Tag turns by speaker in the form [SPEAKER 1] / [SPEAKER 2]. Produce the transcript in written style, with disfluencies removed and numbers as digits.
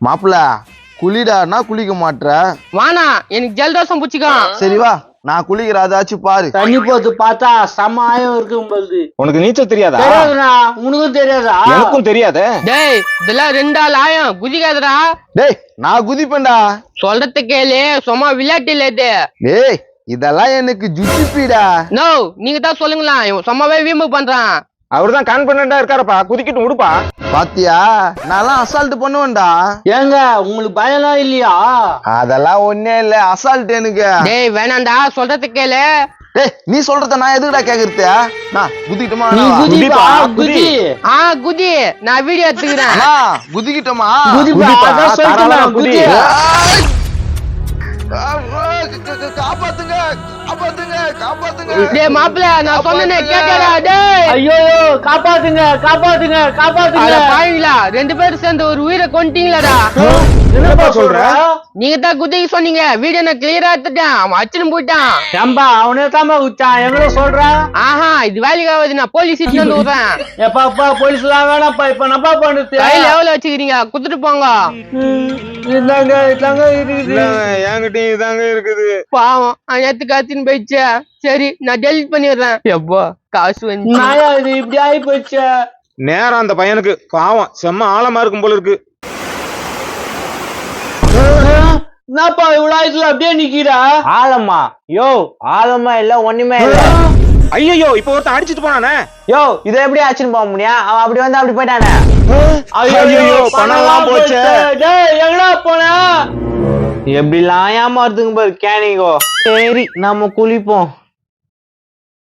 [SPEAKER 1] மாப்பிள்ள குளிடானா குளிக்க மாட்ற.
[SPEAKER 2] வானா எனக்கு ஜலதோஷம் பிடிச்சிக்கோ.
[SPEAKER 1] சரி வா நான் குளிக்கிற அதாச்சும் பாரு.
[SPEAKER 3] தண்ணி போட்டு பார்த்தா சமாயம் இருக்கும் போது.
[SPEAKER 4] உனக்கு நீச்சல் தெரியாதா?
[SPEAKER 3] தெரியாதுண்ணா, உனக்கும் தெரியாதா?
[SPEAKER 4] எனக்கும் தெரியாதே.
[SPEAKER 2] டேய் இதெல்லாம் 2 ஆள் ஆயம் குதிக்காதடா.
[SPEAKER 1] டேய் நான் குதிப்பேன்டா.
[SPEAKER 2] சொல்றத கேளு, சும்மா விளையாட்டு இல்ல இது.
[SPEAKER 1] டேய் இதெல்லாம் எனக்கு ஜுச்சிப்பீடா.
[SPEAKER 2] நோ நீங்க தான் சொல்லுங்களா, இவன் சும்மாவே வீம்பு பண்றான்.
[SPEAKER 4] அவர்தான் கான்பிடண்டா இருக்காரப்பா, குதிக்கிட்டு விடுப்பா.
[SPEAKER 1] பாத்தியா நான்லாம் அசால்ட் பண்ணுவேன்டா.
[SPEAKER 3] ஏங்க உங்களுக்கு பயம்லாம் இல்லையா?
[SPEAKER 1] அதெல்லாம் ஒண்ணே இல்ல, அசால்ட் எனக்கு.
[SPEAKER 2] டேய் வேணாண்டா, சொல்றத கேளு.
[SPEAKER 1] டேய் நீ சொல்றத நான் எதுக்குடா கேக்குறது? நான் குதிக்கிட்டோமா?
[SPEAKER 3] நீ குதிப்பா, குதி.
[SPEAKER 2] குதி, நான் வீடியோ எடுத்துக்கிறேன்.
[SPEAKER 1] அண்ணா குதிக்கிட்டோமா?
[SPEAKER 3] குதிப்பா, அதான் சொல்றேன், குதி.
[SPEAKER 1] காப்பாத்துங்க காப்பாத்துங்க காப்பாத்துங்க.
[SPEAKER 2] டேய் மாப்பிள்ள நான் சொன்னேனே கேட்டடா. டேய்
[SPEAKER 3] ஐயோ காப்பாத்துங்க காப்பாத்துங்க காப்பாத்துங்க.
[SPEAKER 2] அட பாவிங்களா, 2 பேரும் சேர்ந்து ஒரு உயிரை கொன்ட்டீங்களாடா.
[SPEAKER 3] என்னப்பா சொல்ற?
[SPEAKER 2] நீங்க தான் குதிக்க சொன்னீங்க, வீடியோ நான் கிளியரா எடுத்துட்டேன். அவன் அடிச்சுன்னு போயிட்டான்.
[SPEAKER 3] ஏம்பா அவனே தாமா உச்சான், எங்கள சொல்ற?
[SPEAKER 2] இது வேலைக்கு ஆகுது, நான் போலீஸ் வந்து விடுறேன்.
[SPEAKER 3] எப்பா போலீஸ் எல்லாம் வேணாப்பா, இப்ப நப்பா பண்ணுது.
[SPEAKER 2] கையில எவ்வளவு வச்சுக்கிறீங்க குடுத்துட்டு போங்க.
[SPEAKER 3] இதாங்க இதாங்க இருக்குது.
[SPEAKER 4] என்கிட்டயும் இதாங்க இருக்குது.
[SPEAKER 2] பாவம் நேத்து காத்தின்னு போயிடுச்சு. சரி நான் டெலிட் பண்ணிடுறேன். எப்போ காசு வந்து
[SPEAKER 3] நாயா இது இப்படி ஆகி போச்சு.
[SPEAKER 4] நேரம் அந்த பையனுக்கு பாவம் செம்ம ஆழமா இருக்கும் போல இருக்கு.
[SPEAKER 3] என்னப்பா இவ்வளவு ஆயிடுச்சுல அப்படியே நிக்கிறா? ஆழமா? யோ ஆழமா இல்ல ஒண்ணுமே இல்ல.
[SPEAKER 4] ஐயோ இப்ப ஒருத்தன் அடிச்சிட்டு போனானே.
[SPEAKER 3] யோ இத எப்படி ஆச்சுன்னு போக முடியும்? அவன் அப்படி வந்து அப்படி போயிட்டானே.
[SPEAKER 4] ஐயோ பணம்லாம் போச்சு.
[SPEAKER 3] டேய் எங்கடா போன? எப்படிலாம் ஏமாத்துங்க பாரு கேனிங்கோ. சரி நம்ம குளிப்போம்.